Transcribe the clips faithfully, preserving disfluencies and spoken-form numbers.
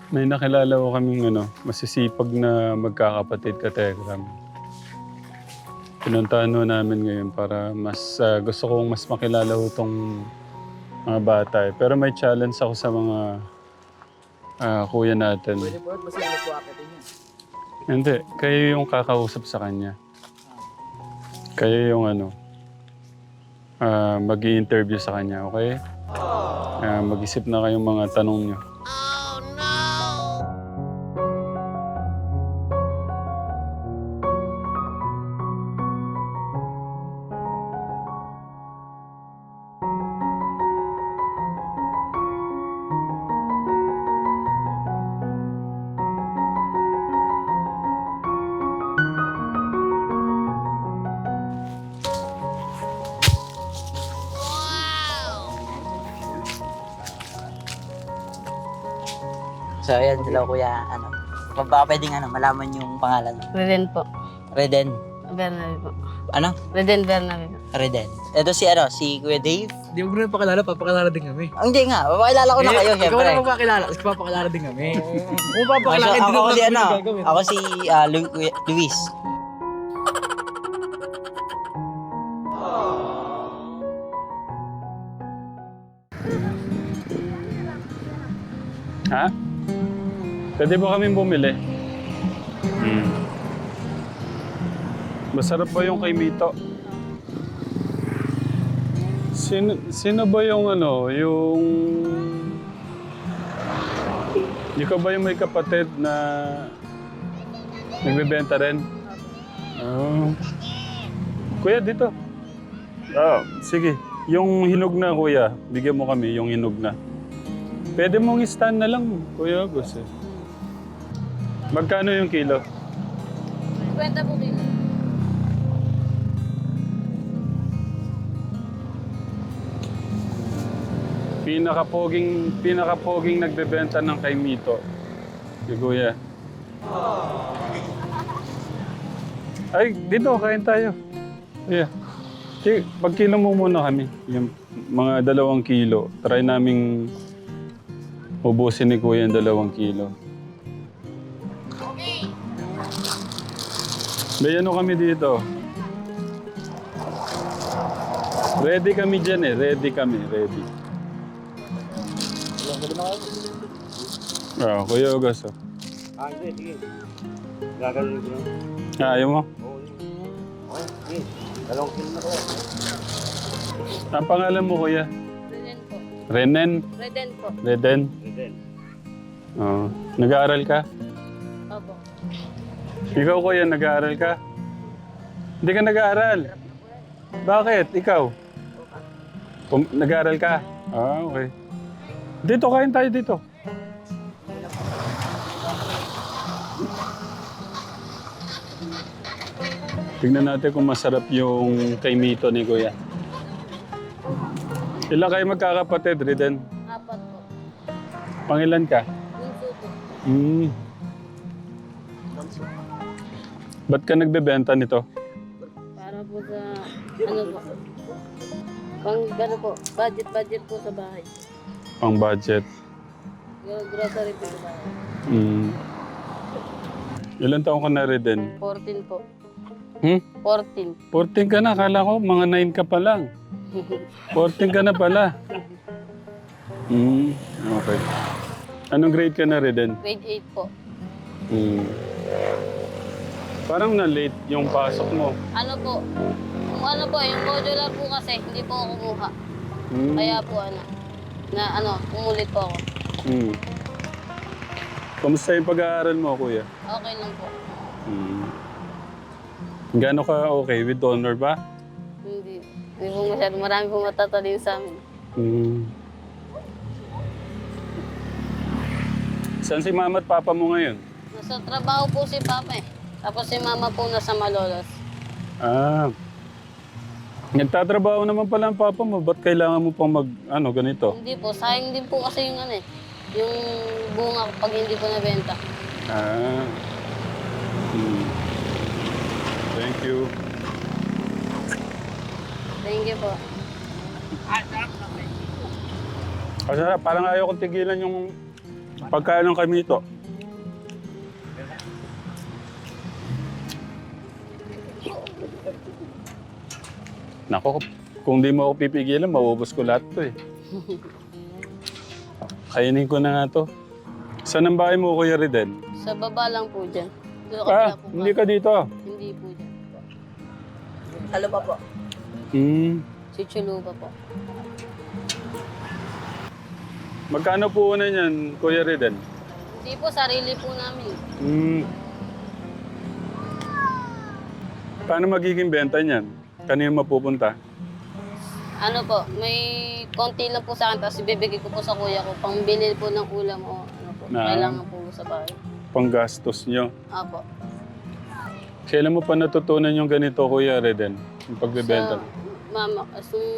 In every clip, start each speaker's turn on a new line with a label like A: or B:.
A: May nakilala ko kaming ano, masisipag na magkakapatid ka Telegram. Pinuntahan ho namin ngayon para mas ah, gusto kong mas makilala ho tong mga bata eh. Pero may challenge ako sa mga ah, kuya natin.
B: Pwede po, basta hindi po akitin niya.
A: Hindi, kayo yung kakausap sa kanya. Kayo yung ano, ah, mag-i-interview sa kanya, okay? Ah, mag-isip na kayong mga tanong nyo.
B: So, ayan, hello kuya, ano, kung baka pwedeng ano, malaman yung pangalan.
C: Reden po.
B: Reden.
C: Bernabe po.
B: Ano?
C: Reden Bernabe po.
B: Reden. Ito si ano, si Kuya Dave.
D: Hindi mo na pakilala, papakilala din kami.
B: Ah, hindi nga, papakilala ko na kayo,
D: Ikaw
B: syempre.
D: na magpakilala, kasi papakilala din kami. Kung
B: Ako,
D: papakilala,
B: ako,
D: hindi
B: ako
D: naman
B: si ano,
D: gagawin.
B: ako si ah, Lu- Kuya- Luis.
A: Ha? Pwede ba kaming bumili? Hmm. Masarap ba yung kay Mito? Sino, sino ba yung ano, yung... Ikaw ba yung may kapatid na nagbebenta rin? Oh. Kuya, dito. Ah, sige. Yung hinog na, kuya. Bigyan mo kami yung hinog na. Pwede mong stand na lang, Kuya August. Eh. Magkano yung kilo?
C: Kwenta po kilo.
A: Pinakapoging, pinakapoging nagbebenta ng kay Mito. Si Kuya. Ay, dito, kain tayo. Kuya. Sige, pagkilo mo muna kami. Yung mga dalawang kilo. Try naming ubusin ni Kuya yung dalawang kilo. May ano kami dito. Ready kami dyan eh. Ready kami. Ready. Ah, Kuya August. Oh.
E: Ah, hindi, sige. Gagawin ko lang.
A: Ah, ayaw mo?
E: Oo, yun. Okay, sige. Dalawang kilo na ko.
A: Ang pangalan mo, Kuya?
C: Reden po.
A: Renen?
C: Reden po.
A: Reden?
E: Reden.
A: Oo. Nag-aaral ka?
C: Opo.
A: Ikaw, Kuya, nag-aaral ka? Hindi ka nag-aaral? Bakit? Ikaw? Pum- nag-aaral ka? Ah, okay. Dito, kain tayo dito. Tignan natin kung masarap yung kay Mito ni Kuya. Ilan kayo magkakapatid, Reden?
C: Apat po.
A: Pangilan ka?
C: Bunso po.
A: Hmm. Ba't ka nagbebenta nito?
C: Para po sa, ano po, pang, ano po, budget, budget po sa bahay.
A: Pang budget.
C: Yung grocery po sa bahay.
A: Hmm. Ilan taong ka na, Reden?
C: fourteen po.
A: Hmm?
C: fourteen.
A: fourteen ka na. Akala ko mga nine ka pa lang. fourteen ka na pala. Hmm. Okay. Anong grade ka na, Reden?
C: Grade eight po.
A: Hmm. Parang na-late yung pasok mo.
C: Ano po, yung ano po, yung modular po kasi, hindi po ako kumuha.
A: Hmm.
C: Kaya po ano, na ano, umulit po ako.
A: Hmm. Kamusta yung pag-aaral mo, Kuya?
C: Okay lang po.
A: Hmm. Gaano ka okay? With honor ba?
C: Hindi. Hindi po masyado. Marami po matatalin sa amin.
A: Hmm. Saan si mama at papa mo ngayon?
C: Nasa trabaho po si Papa eh. Tapos si Mama po nasa Malolos.
A: Ah. Nagtatrabaho naman pala ang papa mo. Ba't kailangan mo pang mag, ano, ganito?
C: Hindi po. Sayang din po kasi yung ano eh. Yung bunga pag hindi po nabenta.
A: Ah. Hmm. Thank you.
C: Thank you po.
A: Kasi parang ayaw kong tigilan yung Pagkain kami ito. Nako, kung di mo ako pipigilan, mauubos ko lahat to eh. Kainin ko na nga to. Saan ang bahay mo, Kuya Ridel?
C: Sa baba lang po dyan. Doon ako
A: Ah,
C: po
A: hindi ka dito.
C: Hindi po dyan.
B: Halo pa po.
A: Hmm.
C: Si Chuluba po.
A: Magkano po una niyan, Kuya Ridel?
C: Hindi po, sarili po namin.
A: Hmm. Paano magiging benta niyan? Kanino mapupunta?
C: Ano po, may konti lang po sa akin, tapos ibibigay ko po sa kuya ko, pangbili po ng ulam o ano po,
A: Na-
C: kailangan po sa bahay.
A: Panggastos niyo.
C: Apo.
A: Kailan mo pa natutunan yung ganito, Kuya Ridel? Yung pagbebenta?
C: Sa, mama, asong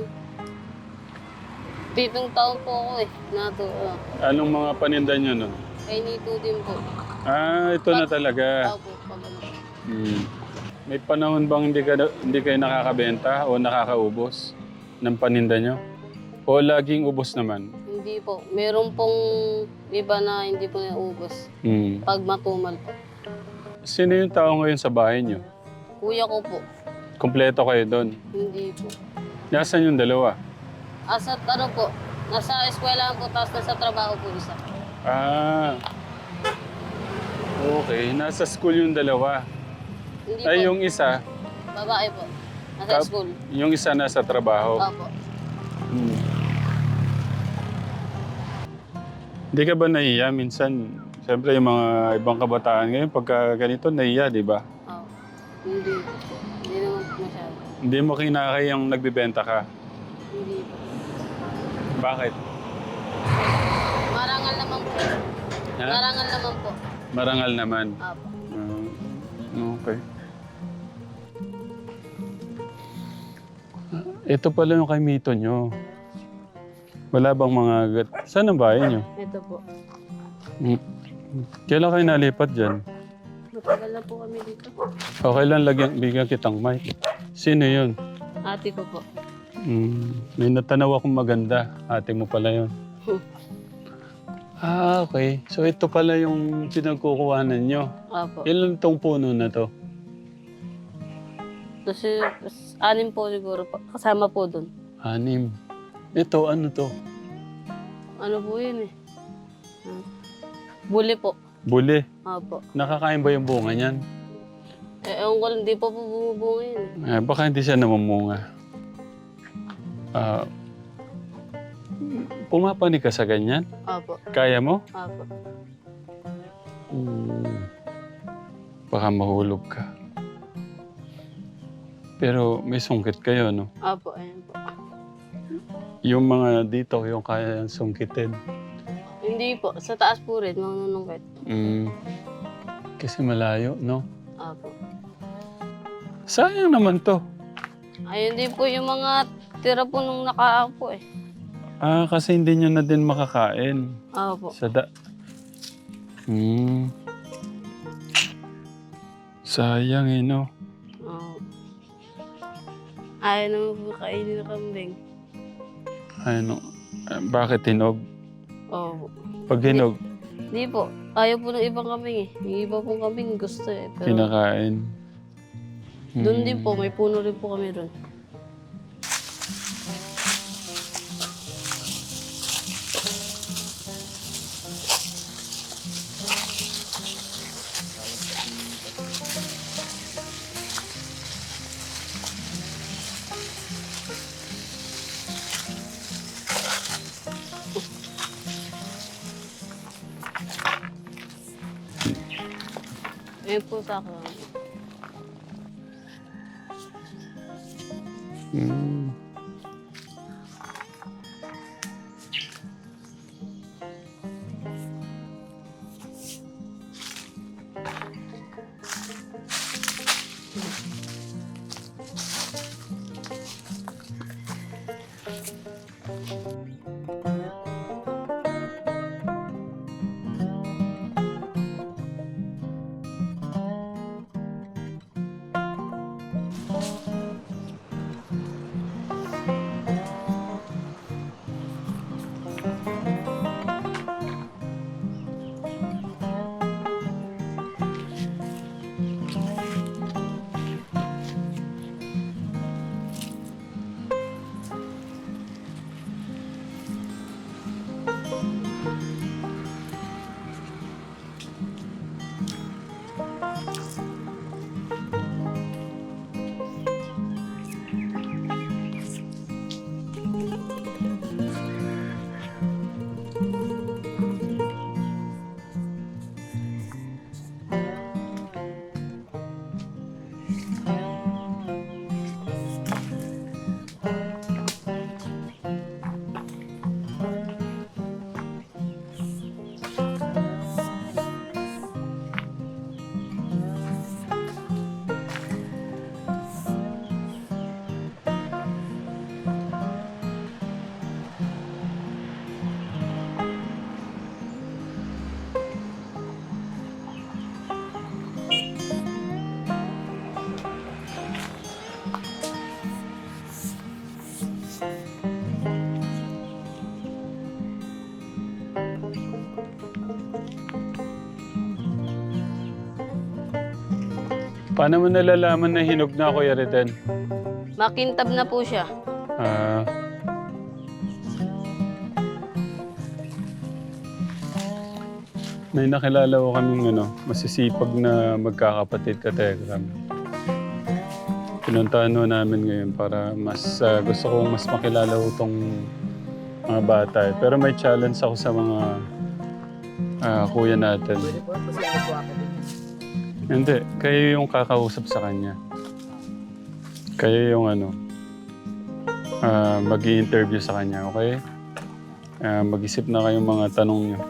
C: pitong taon po ako eh, nato. Uh,
A: Anong mga paninda niyo nun?
C: kay Nito din po.
A: Ah, ito na talaga.
C: Apo, pag ano po.
A: Hmm. May panahon bang hindi, ka, hindi kayo nakakabenta o nakakaubos ng paninda nyo? O laging ubos naman?
C: Hindi po. Meron pong iba na hindi po naubos.
A: Hmm.
C: Pag matumal po.
A: Sino yung tao ngayon sa bahay nyo?
C: Kuya ko po.
A: Kompleto kayo doon.
C: Hindi po.
A: Nasaan yung dalawa?
C: Asa ano po, nasa eskwela po, tapos nasa trabaho po isa.
A: Ah. Okay, nasa school yung dalawa.
C: Hindi
A: Ay,
C: po.
A: yung isa,
C: Babae po. Nasa
A: Tap-
C: school.
A: yung isa nasa trabaho.
C: Opo.
A: Hmm. Hindi ka ba nahiya minsan? Siyempre yung mga ibang kabataan ngayon, pagka ganito, nahiya, di ba?
C: Opo. Hindi po. Hindi naman po masyado.
A: Hindi mo kinakayang nagbibenta ka.
C: Hindi po.
A: Bakit?
C: Marangal naman po.
A: Ha?
C: Marangal naman po.
A: Marangal naman.
C: Opo.
A: Ah, okay. Ito pala yung kay Mito nyo. Wala bang mga... gat- Saan ang bahay nyo?
C: Ito po.
A: Hmm. Kailan kayo nalipat dyan?
C: Matagal na po kami dito.
A: Okay lang, lagyan, bigyan kitang mic. Sino yun?
C: Ate ko po.
A: Hmm. May natanaw akong maganda. Ate mo pala yun. Ah, okay. So ito pala yung pinagkukuhanan nyo.
C: Opo.
A: Ilan tong puno na to?
C: Kasi anim po siguro po. Kasama po dun.
A: Anim. Ito, ano to?
C: Ano po yun eh? Ah. Buli po.
A: Buli.
C: Opo.
A: Nakakain ba yung bunga niyan?
C: Eh, ewan ko lang, di pa po bumubunga yun eh.
A: Eh, baka hindi siya namumunga. Ah, pumapani ka sa ganyan?
C: Opo.
A: Kaya mo?
C: Opo.
A: Hmm. Baka mahulog ka. Pero may sungkit kayo, no?
C: Opo, ayan po.
A: Yung mga dito, yung kaya sungkitin.
C: Hindi po. Sa taas po rin, manunungkit.
A: Hmm. Kasi malayo, no?
C: Opo.
A: Sayang naman to.
C: Ayun din po yung mga tira po nung nakaapo eh.
A: Ah, kasi hindi nyo na din makakain.
C: Opo.
A: Sa da... Hmm. Sayang eh, no?
C: Oo. Ayaw naman po kainin ng kambing.
A: Ano? eh, bakit hinog?
C: Opo.
A: Pag hinog,
C: Hindi po. Ayaw po ng ibang kambing eh. Yung iba pong kambing gusto eh. Pero
A: kinakain.
C: doon din po, may puno rin po kami doon. Ayun po sa akin.
A: Hmm. Paano mo nalalaman na hinog na, Kuya Reden?
C: Makintab na po siya.
A: Ah... May nakilala ko kaming ano, masisipag na magkakapatid ka, Telegram. Pinuntahan ho namin ngayon para mas ah, gusto ko mas makilala ko itong mga bata. eh. Pero may challenge ako sa mga ah, kuya natin.
D: Pwede po, kasi ano po ako din.
A: Hindi, kayo yung kakausap sa kanya. Kayo yung ano, ah, mag-i-interview sa kanya, okay? Ah, mag-isip na kayong mga tanong niyo.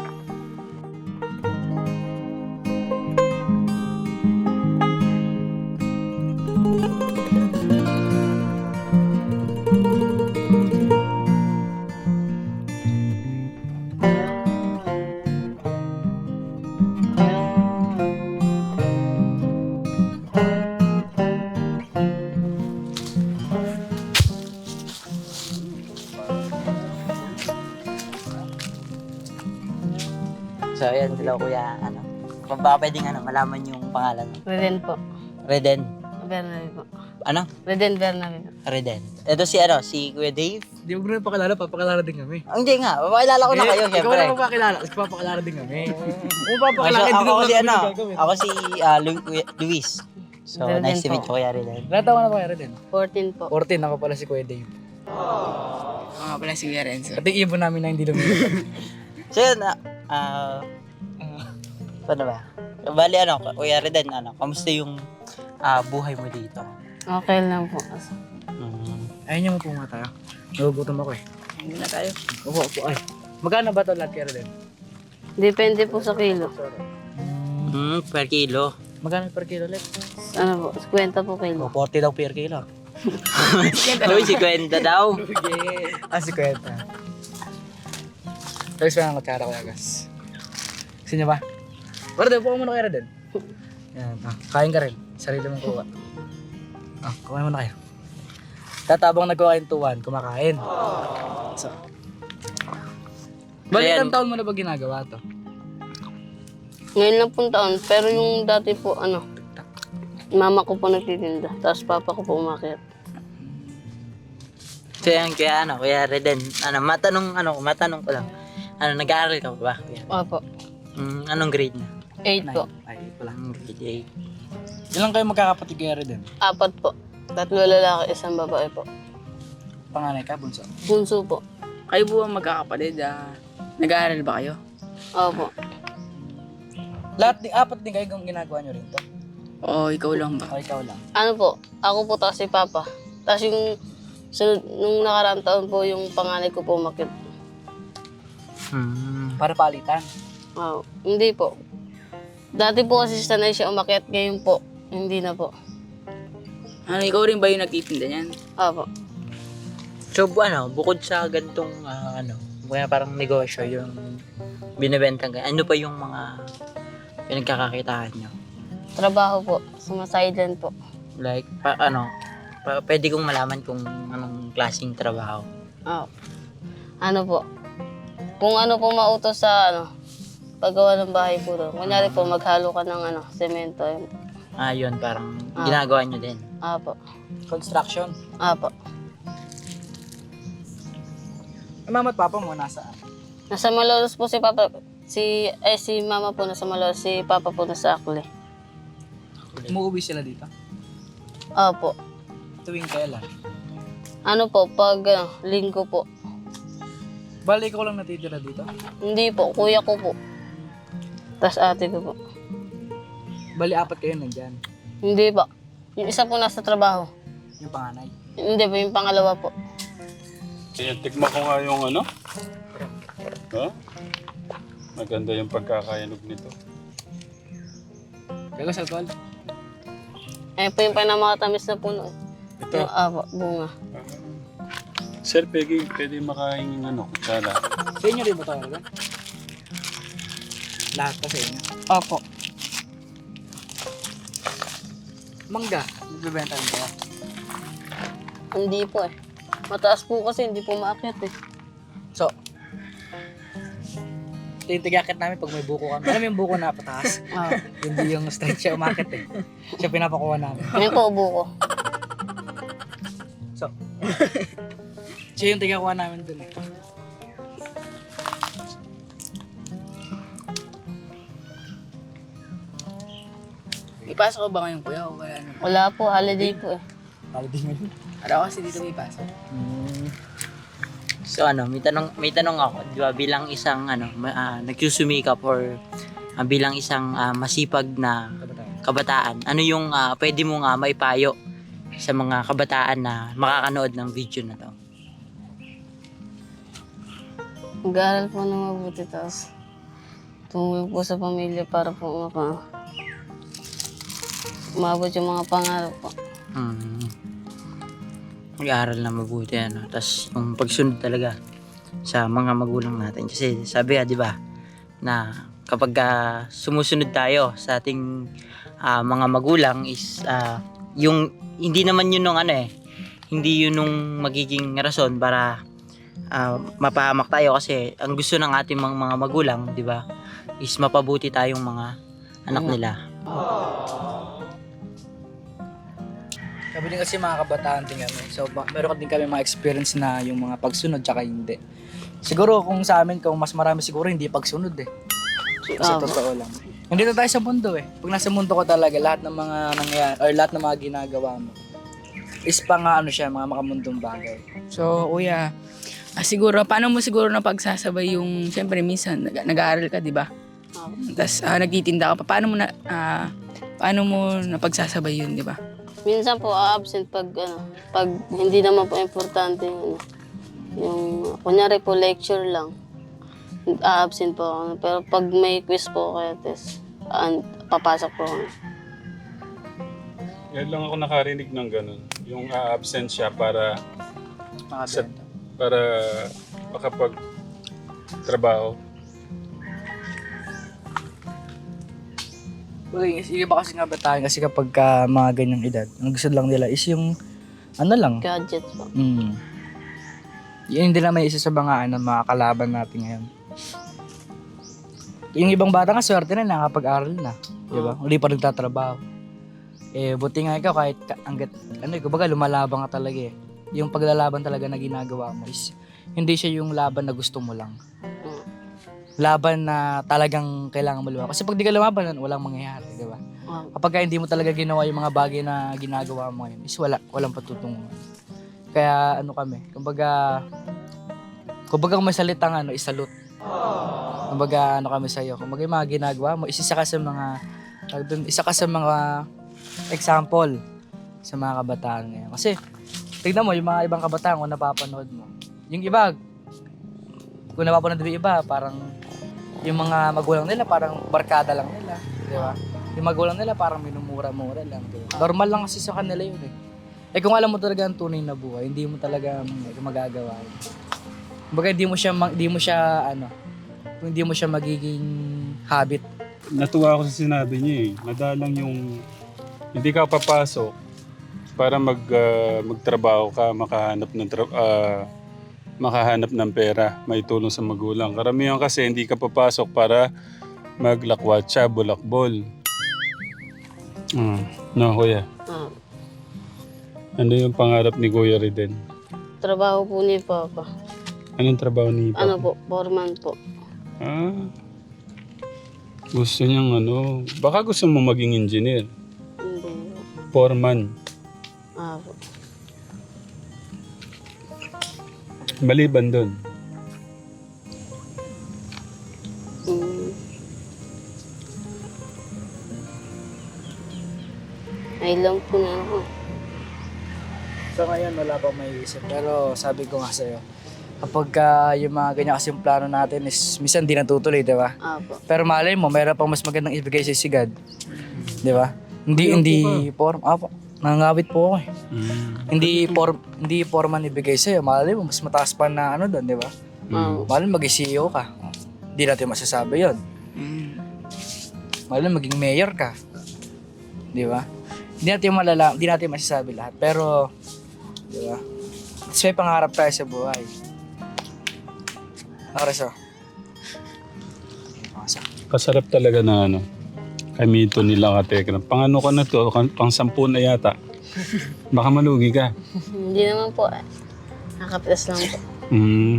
B: So, ayan sila kuya, ano. Kung baka pwedeng ano, malaman yung pangalan mo.
C: Reden po.
B: Reden.
C: Bernabe po.
B: Ano?
C: Reden Bernabe po.
B: Reden. Ito si ano, si Kuya Dave.
D: Hindi mo na pakilala, papakilala din kami.
B: Ah, hindi nga, papakilala ko na kayo,
D: Ikaw
B: syempre.
D: na papakilala, kasi papakilala din kami. Kung
B: Ah,
D: papakilala,
B: so,
D: hindi
B: ako
D: naman
B: si
D: kami
B: ano,
D: gagawin.
B: ako si ah, Lu- Kuya- Luis. So,
C: Reden
B: nice to
C: po.
B: meet you, Kuya Reden.
D: Ilan taon na ba kayo din?
C: fourteen po.
D: fourteen, ako pala si Kuya Dave.
F: Ako nga pala si Kuya Renzo.
D: At yung ibon namin na hindi lumilipad.
B: So, yun, ah, ah, paano ba? Bali, ano, Kuya Reden, ano, kamusta yung ah, buhay mo dito?
C: Okay lang po.
B: Mm.
D: Ayun niyo mo po nga tayo. Nagugutom ako eh.
F: Hindi na tayo.
D: Opo, opo, ay. Magkano ba ito lahat kaya din?
C: Depende po sa kilo.
B: Mm, per kilo.
D: Magkano per kilo ulit?
C: Ano po, fifty po kilo.
D: Oh, forty daw per kilo.
B: Uy, si Kwenta daw.
D: Ah, si Kwenta. Tapos pa ng kutsara ko yagas. Gusto niyo ba? Pero daw po muna kayo din. Yan, ah, kain ka rin. Sarili mong kuha. Ah, kumain muna kayo. Tatabang nagkukain tuwan, kumakain. So. Bali,
B: Ayan.
D: ilang taon mo na ba ginagawa to?
C: Ngayon lang pong taon, pero yung dati po, ano, mama ko po nagtitinda, tapos papa ko po umakyat.
B: So yan, kaya ano, Kuya Reden, ano, matanong, ano, matanong ko lang. Ano, nag-aaral ka ba, Kuya?
C: Opo,
B: Mm, anong grade na?
C: eight po.
D: Ay, wala.
B: Anong grade eight?
D: Ilang kayo magkakapatid kaya rin din?
C: Apat po. Tatlo lalaki, isang babae po.
D: Panganay ka, bunso.
C: Bunso po.
F: Kayo po ang magkakapatid. Ah, nag-aaral ba kayo?
C: Opo.
D: Lahat, di, apat din kayo kung ginagawa nyo rin to.
F: O ikaw lang ba?
D: O ikaw lang.
C: Ano po, ako po tapos si papa. Tapos yung, sunod, nung nakaraang taon po, yung panganay ko po umakyat.
B: Hmm.
D: Para palitan.
C: Oh, hindi po. Dati po kasi sanay siya umakyat, ngayon po, hindi na po.
F: Ano, ikaw rin ba yung nagtitinda niyan?
C: Opo.
B: So, bu- ano, bukod sa gantong, ah, ano, kaya parang negosyo, yung binibenta ka, ano pa yung mga pinagkakakitaan nyo?
C: Trabaho po, sumasideline po.
B: Like, pa, ano, pa, pwede kong malaman kung anong klaseng trabaho.
C: Oh. Ano po, kung ano po mautos sa, ano, paggawa ng bahay po doon. Kunyari po, maghalo ka ng, ano, semento. Yun.
B: Ah, yun, parang
C: Ah.
B: ginagawa nyo din.
C: Apo.
D: Construction.
C: Apo.
D: Ang mama at papa mo nasaan?
C: Nasa Malolos po si Papa, si, eh, si Mama po nasa Malolos, si Papa po nasa Akli.
D: Umuwi sila dito?
C: Opo.
D: Tuwing kailan?
C: Ano po, pag ano, linggo po.
D: Bali, ikaw lang natitira dito?
C: Hindi po, kuya ko po. Tapos ate ko po.
D: Bali, apat kayo nandyan.
C: Hindi po. Yung isa po nasa trabaho.
D: Yung panganay.
C: Hindi po, yung pangalawa po.
A: Ayan, tikman ko nga yung ano. Ha? Maganda yung pagkakayanog nito.
D: Gagas alcohol?
C: Ayun po yung pinamakatamis na puno.
A: Ito.
C: Yung apo, bunga.
A: Sir, pwede, pwede makain yung ano, kutsara.
D: Sa inyo rin ba ito? Ano? Lahat pa sa inyo.
C: Opo.
D: Mangga, nagbibenta rin kayo.
C: Hindi po eh. Mataas po kasi, hindi po maakyat eh.
D: So, Ito yung tigakit namin pag may buko kami. Alam mo yung buko na pataas?
C: Ah,
D: Hindi yung straight siya umakit eh. Siya pinapakuha namin.
C: yun po ubo ko.
D: Siya yung tigakuha namin dun eh.
F: Ipasok ko ba ngayon kuya o wala na?
C: Wala po, holiday po eh.
D: Para di ngayon.
F: Araw kasi dito may pasok.
B: Hmm. So ano, may tanong may tanong ako, 'di ba, bilang isang ano, ma- ah, nagsusumikap or ah, bilang isang ah, masipag na kabataan. Ano yung ah, pwede mong ah, maipayo sa mga kabataan na makakanood ng video na 'to?
C: Mag-aaral po na mabuti, tapos tumulong po sa pamilya para po maka umabot yung mga pangarap po.
B: Hmm. Mag-aaral na mabuti ano, tapos yung pagsunod talaga sa mga magulang natin. Kasi sabi ah, 'di ba, na kapag ah, sumusunod tayo sa ating ah, mga magulang is ah, yung hindi naman yun nung ano eh, hindi yun nung magiging rason para ah, mapahamak tayo, kasi ang gusto ng ating mga, mga magulang, 'di ba, is mapabuti tayong mga anak nila.
D: Sabi din kasi mga kabataan din kami. So, ba- meron din kami mga experience na yung mga pagsunod tsaka hindi. Siguro kung sa amin, kung mas marami siguro hindi pagsunod eh. Kasi
C: Ah,
D: totoo lang. Nandito tayo sa mundo eh. Pag nasa mundo ko talaga, lahat ng mga nangyayari, or lahat ng mga ginagawa mo, is pa nga ano siya, mga makamundong bagay.
F: So kuya, ah, siguro, paano mo siguro napagsasabay yung, siyempre minsan nag- nag-aaral ka, di ba?
C: Ah,
F: Tapos ah, nagtitinda ka pa. Paano mo na, ah, paano mo napagsasabay yun, di ba?
C: minsan po a-absent pag ano, pag hindi naman po importante yung ano, yung kunyari po lecture lang. A-absent po ako. Pero pag may quiz po kaya test, an- papasok po ako.
A: Yan lang ako nakarinig ng ganun. Yung a-absent siya para
D: Mga
A: Sa-
D: benta.
A: para makapag trabaho.
D: Okay, yung iba kasi nga bataan kasi kapag ka mga ganyang edad, ang gusto lang nila is yung ano lang.
C: Gadgets po.
D: Mm. Yun din naman isa sa mga ano, mga kalaban natin ngayon. Yung ibang bata nga swerte na nakapag-aral na, di ba? Uli pa nagtatrabaho. Eh buti nga ikaw kahit ka- hanggat ano, kumbaga lumalabang ka talaga eh. Yung paglalaban talaga na ginagawa mo is hindi siya yung laban na gusto mo lang.
C: Mm.
D: Laban na talagang kailangan mo lumaban. Kasi pag di ka lumaban, walang mangyayari, di ba?
C: Ah,
D: Kapag ka hindi mo talaga ginawa yung mga bagay na ginagawa mo ngayon, is wala, walang patutunguhan. Kaya ano kami, kumbaga, kumbaga kung may salitang ano, isalute. Kumbaga ano kami sa'yo, kumbaga yung mga ginagawa mo, is isa ka sa mga, tawag dun, isa ka sa mga example sa mga kabataan ngayon. Kasi, tignan mo, yung mga ibang kabataan kung napapanood mo, yung iba, kung napapanood mo yung iba, parang, yung mga magulang nila, parang barkada lang nila, di ba? Yung magulang nila parang minumura-mura lang. Diba? Normal lang kasi sa kanila yun eh. Eh kung alam mo talaga ang tunay na buhay, hindi mo talaga mag- magagawa yun. Kumbaga hindi mo siya, ma- hindi mo siya ano, kung hindi mo siya magiging habit.
A: Natuwa ako sa sinabi niya eh. Madalang yung hindi ka papasok para mag ah, magtrabaho ka, makahanap ng tra- ah, makahanap ng pera, may tulong sa magulang. Karamihan kasi hindi ka papasok para maglakwatsa, bulakbol. Mm. No, kuya.
C: ah,
A: Ano yung pangarap ni Kuya Riden?
C: trabaho po ni Papa.
A: Anong trabaho ni Papa?
C: Ano po, foreman po.
A: Ah, gusto niyang ano, baka gusto mo maging engineer.
C: Hindi.
A: Foreman.
C: Ah, po.
A: Maliban doon.
C: Mm. Ay lang po na ako.
D: So ngayon wala pa may isip. Pero sabi ko nga sa'yo, kapag ah, yung mga ganyan kasi yung plano natin is minsan di natutuloy, di ba?
C: Ah, po.
D: Pero malay mo, mayroon pang mas magandang ibigay sa si God. Di ba? Hindi, hindi form. Apo, nangangawit po ako eh.
A: Mm.
D: Hindi form, hindi forman ibigay sa'yo. Malay mo, mas mataas pa na ano doon, di ba?
C: Ah,
D: Malay mo, mag-C E O ka. Hindi natin masasabi yon.
F: Mm.
D: Malay mo, maging mayor ka. Di ba? Hindi natin malala, hindi natin masasabi lahat. Pero, di ba? Mas may pangarap tayo sa buhay. Oras oh.
A: Kasarap talaga na ano. Kamito nila katekram. Pang ano ka na to? Kan- Pang sampu na yata. Baka malugi ka.
C: Hindi naman po eh. Nakapitas lang po.
A: Hmm.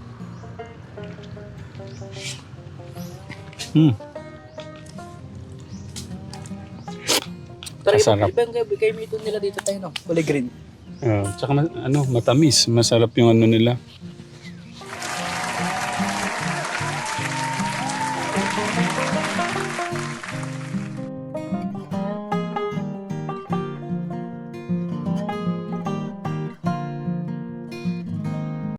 A: Hmm.
D: Pero iba,
A: Masarap.
D: iba yung kay, kay Mito nila dito tayo, no? Kulay green.
A: Ah, tsaka ma- ano, matamis. Masarap yung ano nila.